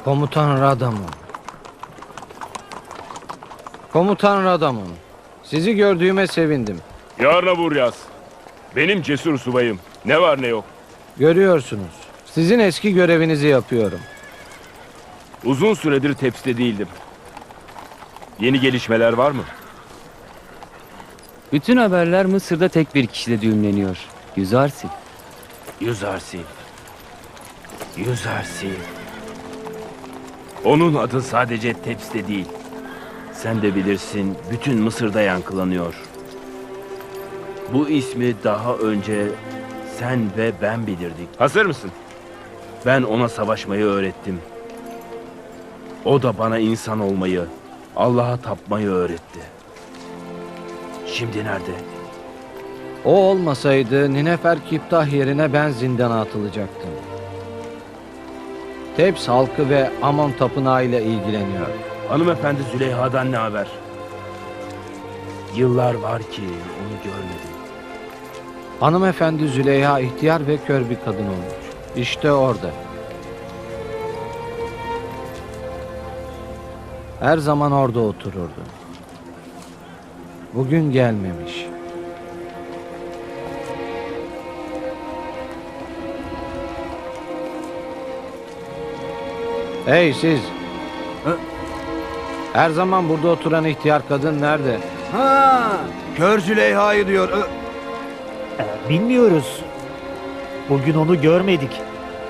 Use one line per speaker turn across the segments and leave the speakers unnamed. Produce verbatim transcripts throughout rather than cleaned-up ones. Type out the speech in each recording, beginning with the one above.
Komutan Radamon. Komutan Radamon. Sizi gördüğüme sevindim.
Yarına vur yaz. Benim cesur subayım. Ne var ne yok.
Görüyorsunuz. Sizin eski görevinizi yapıyorum.
Uzun süredir tepside değildim. Yeni gelişmeler var mı?
Bütün haberler Mısır'da tek bir kişide düğümleniyor. Yüzarsi.
Yüzarsi. Yüzarsi. Onun adı sadece tepside değil. Sen de bilirsin, bütün Mısır'da yankılanıyor. Bu ismi daha önce sen ve ben bilirdik. Hazır mısın? Ben ona savaşmayı öğrettim. O da bana insan olmayı, Allah'a tapmayı öğretti. Şimdi nerede?
O olmasaydı Ninefer Kiptah yerine ben zindana atılacaktım. Tebs halkı ve Amon tapınağı ile ilgileniyor.
Hanımefendi Züleyha'dan ne haber? Yıllar var ki onu görmedim.
Hanımefendi Züleyha ihtiyar ve kör bir kadın olmuş. İşte orada. Her zaman orada otururdu. Bugün gelmemiş. Hey siz!
Hı?
Her zaman burada oturan ihtiyar kadın nerede?
Ha, Kör Züleyha'yı diyor. Ö-
Bilmiyoruz. Bugün onu görmedik.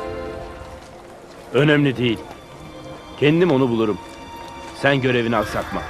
Önemli değil. Kendim onu bulurum. Sen görevini aksatma.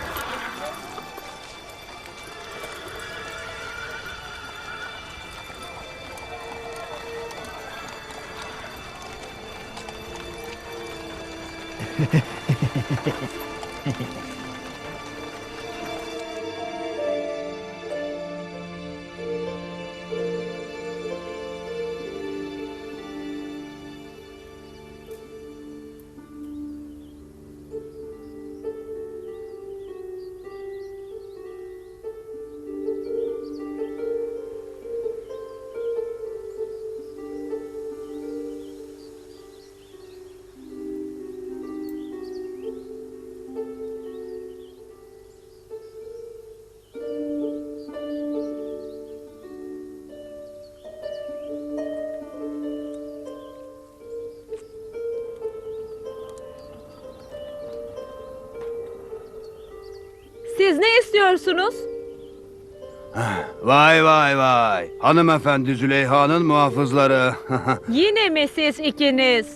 Siz ne istiyorsunuz?
Vay vay vay. Hanımefendi Züleyha'nın muhafızları.
Yine mi siz ikiniz?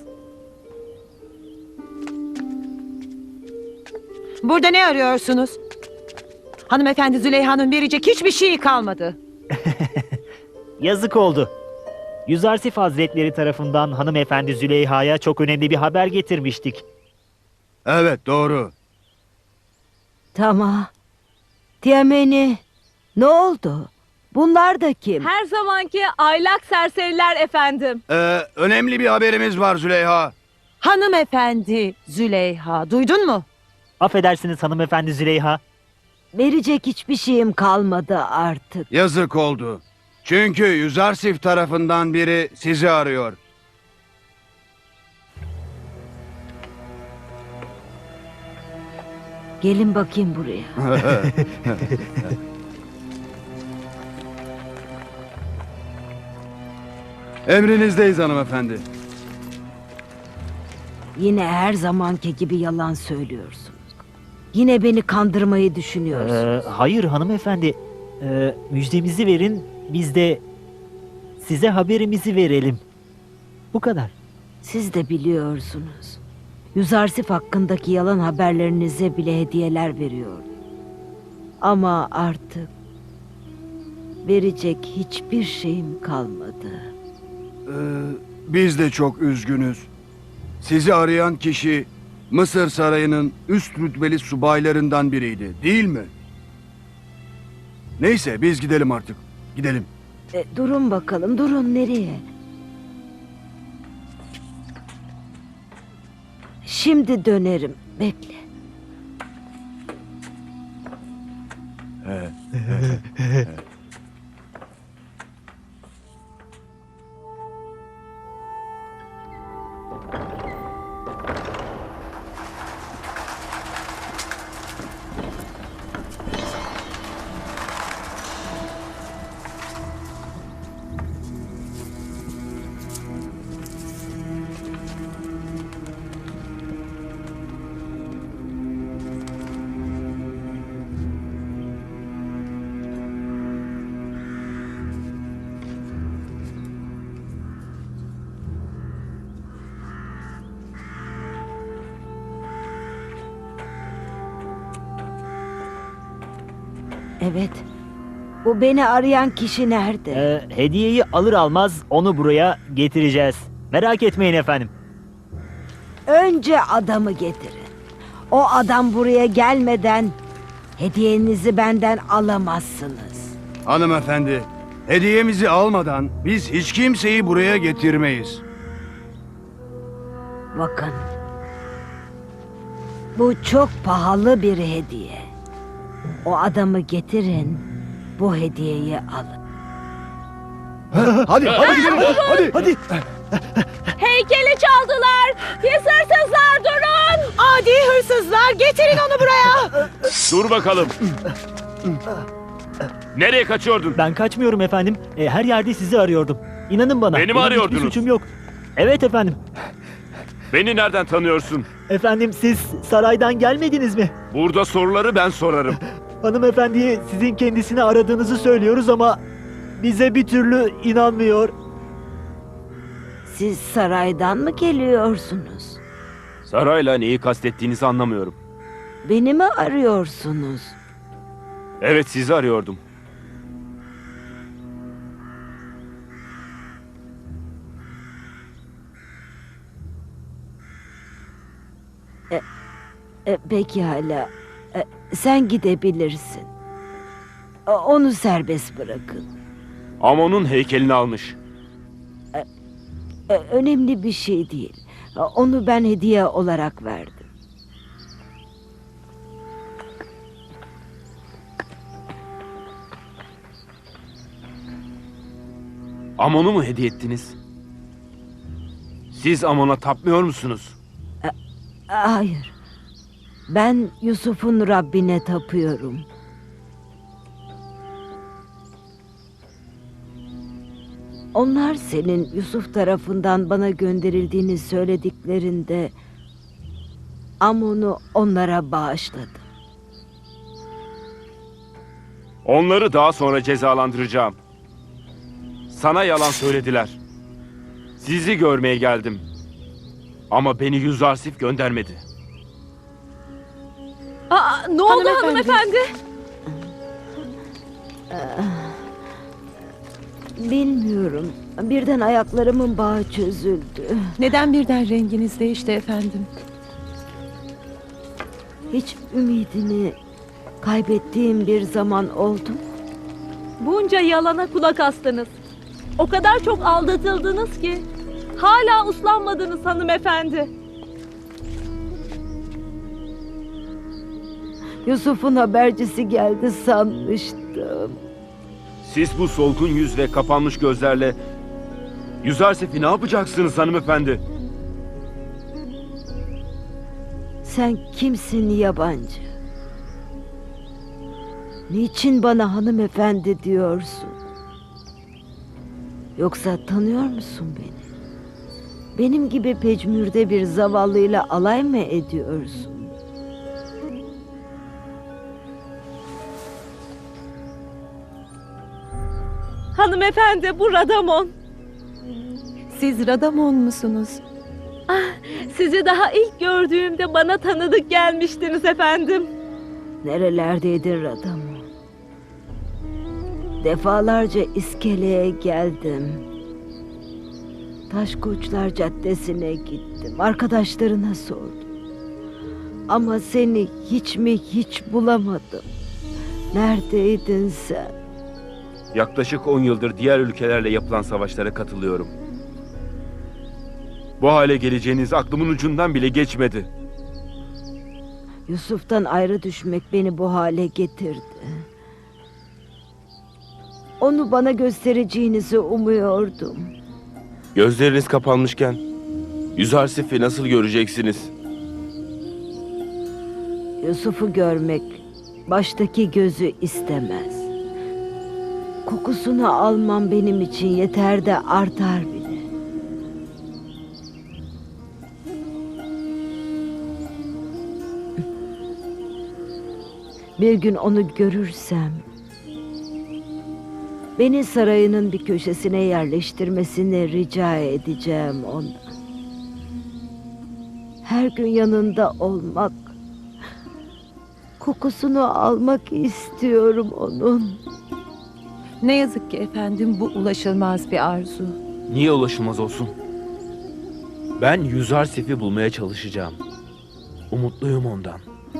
Burada ne arıyorsunuz? Hanımefendi Züleyha'nın verecek hiçbir şeyi kalmadı.
Yazık oldu. Yüzarsif Hazretleri tarafından hanımefendi Züleyha'ya çok önemli bir haber getirmiştik.
Evet doğru.
Tamam. Tiameni, ne oldu? Bunlar da kim?
Her zamanki aylak serseriler efendim.
Ee, önemli bir haberimiz var Züleyha.
Hanımefendi Züleyha, duydun mu?
Affedersiniz hanımefendi Züleyha.
Verecek hiçbir şeyim kalmadı artık.
Yazık oldu. Çünkü Yüzarsif tarafından biri sizi arıyor.
Gelin bakayım buraya.
Emrinizdeyiz hanımefendi.
Yine her zamanki gibi yalan söylüyorsunuz. Yine beni kandırmayı düşünüyorsunuz.
Ee, hayır hanımefendi. Ee, müjdemizi verin, biz de size haberimizi verelim. Bu kadar.
Siz de biliyorsunuz. Yüzarsif hakkındaki yalan haberlerinize bile hediyeler veriyorum. Ama artık verecek hiçbir şeyim kalmadı.
Ee, biz de çok üzgünüz. Sizi arayan kişi Mısır Sarayı'nın üst rütbeli subaylarından biriydi, değil mi? Neyse biz gidelim artık. Gidelim.
E, durun bakalım, durun nereye? Şimdi dönerim, bekle. Evet. Bu beni arayan kişi nerede?
Ee, hediyeyi alır almaz onu buraya getireceğiz. Merak etmeyin efendim.
Önce adamı getirin. O adam buraya gelmeden hediyenizi benden alamazsınız.
Hanımefendi, hediyemizi almadan biz hiç kimseyi buraya getirmeyiz.
Bakın. Bu çok pahalı bir hediye. O adamı getirin. Bu hediyeyi alın.
Hadi, hadi gidelim. Hadi.
Hadi.
Heykeli çaldılar. Pis hırsızlar durun.
Adi hırsızlar, getirin onu buraya.
Dur bakalım. Nereye kaçıyordun?
Ben kaçmıyorum efendim. Ee, her yerde sizi arıyordum. İnanın bana.
Beni mi
benim
arıyordunuz?
Hiçbir suçum yok. Evet efendim.
Beni nereden tanıyorsun?
Efendim siz saraydan gelmediniz mi?
Burada soruları ben sorarım.
Hanımefendiye sizin kendisini aradığınızı söylüyoruz ama bize bir türlü inanmıyor.
Siz saraydan mı geliyorsunuz?
Sarayla neyi kastettiğinizi anlamıyorum.
Beni mi arıyorsunuz?
Evet, sizi arıyordum.
E, pekala. E, sen gidebilirsin. E, onu serbest bırakın.
Amon'un heykelini almış.
E, önemli bir şey değil. E, onu ben hediye olarak verdim.
Amon'u mu hediye ettiniz? Siz Amon'a tapmıyor musunuz?
E, hayır. Ben Yusuf'un Rabbine tapıyorum. Onlar senin Yusuf tarafından bana gönderildiğini söylediklerinde Amon'u onlara bağışladım.
Onları daha sonra cezalandıracağım. Sana yalan söylediler. Sizi görmeye geldim. Ama beni Yüzarsif göndermedi.
Aa, ne oldu
Hanımefendi.
hanımefendi?
Bilmiyorum. Birden ayaklarımın bağı çözüldü.
Neden birden renginiz değişti efendim?
Hiç ümidini kaybettiğim bir zaman oldu mu?
Bunca yalana kulak astınız. O kadar çok aldatıldınız ki. Hala uslanmadınız hanımefendi.
Yusuf'un habercisi geldi sanmıştım.
Siz bu solgun yüz ve kapanmış gözlerle Yüzarsif'i ne yapacaksınız hanımefendi?
Sen kimsin yabancı? Niçin bana hanımefendi diyorsun? Yoksa tanıyor musun beni? Benim gibi pecmürde bir zavallıyla alay mı ediyorsun?
Hanımefendi bu Radamon.
Siz Radamon musunuz?
Sizi daha ilk gördüğümde bana tanıdık gelmiştiniz efendim.
Nerelerdeydin adamı? Defalarca iskeleye geldim. Taşkoçlar Caddesi'ne gittim. Arkadaşlarına sordum. Ama seni hiç mi hiç bulamadım. Neredeydin sen?
Yaklaşık on yıldır diğer ülkelerle yapılan savaşlara katılıyorum. Bu hale geleceğiniz aklımın ucundan bile geçmedi.
Yusuf'tan ayrı düşmek beni bu hale getirdi. Onu bana göstereceğinizi umuyordum.
Gözleriniz kapanmışken Yüzarsif'i nasıl göreceksiniz?
Yusuf'u görmek baştaki gözü istemez. Kokusunu almam benim için yeter de artar bile. Bir gün onu görürsem beni sarayının bir köşesine yerleştirmesini rica edeceğim ondan. Her gün yanında olmak, Kokusunu almak istiyorum onun.
Ne yazık ki efendim bu ulaşılmaz bir arzu.
Niye ulaşılmaz olsun? Ben Yüzarsif'i bulmaya çalışacağım. Umutluyum ondan.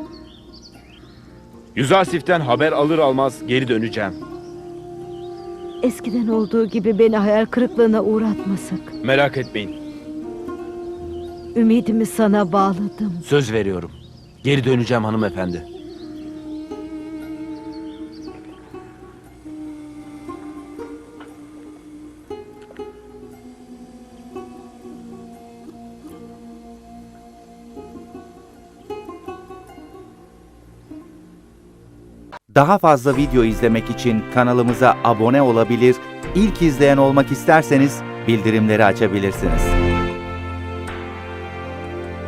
Yüzarsif'ten haber alır almaz geri döneceğim.
Eskiden olduğu gibi beni hayal kırıklığına uğratmasak.
Merak etmeyin.
Ümidimi sana bağladım.
Söz veriyorum. Geri döneceğim hanımefendi.
Daha fazla video izlemek için kanalımıza abone olabilir, ilk izleyen olmak isterseniz bildirimleri açabilirsiniz.